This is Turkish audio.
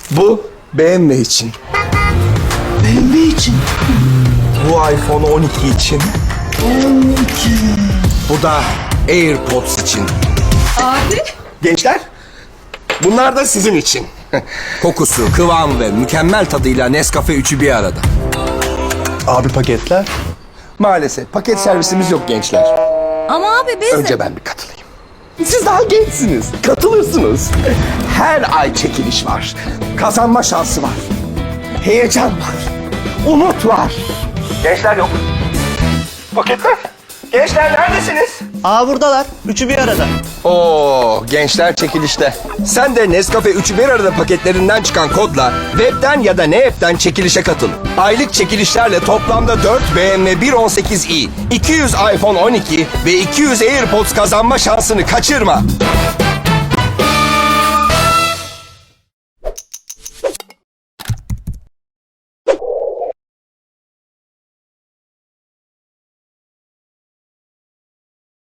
Bu BMW için. BMW için. Bu iPhone 12 için. 12. Bu da AirPods için. Abi. Gençler, bunlar da sizin için. Kokusu, kıvamı ve mükemmel tadıyla Nescafe 3'ü bir arada. Abi paketler. Maalesef paket servisimiz yok gençler. Ama abi biz... Önce ben bir katılayım. Siz daha gençsiniz. Katılırsınız. Her ay çekiliş var. Kazanma şansı var. Heyecan var. Umut var. Gençler yok. Paketler. Gençler neredesiniz? Buradalar. Üçü bir arada. Oo, gençler çekilişte. Sen de Nescafe 3'ü bir arada paketlerinden çıkan kodla webden ya da ne app'ten çekilişe katıl. Aylık çekilişlerle toplamda 4 BMW 118i, 200 iPhone 12 ve 200 AirPods kazanma şansını kaçırma.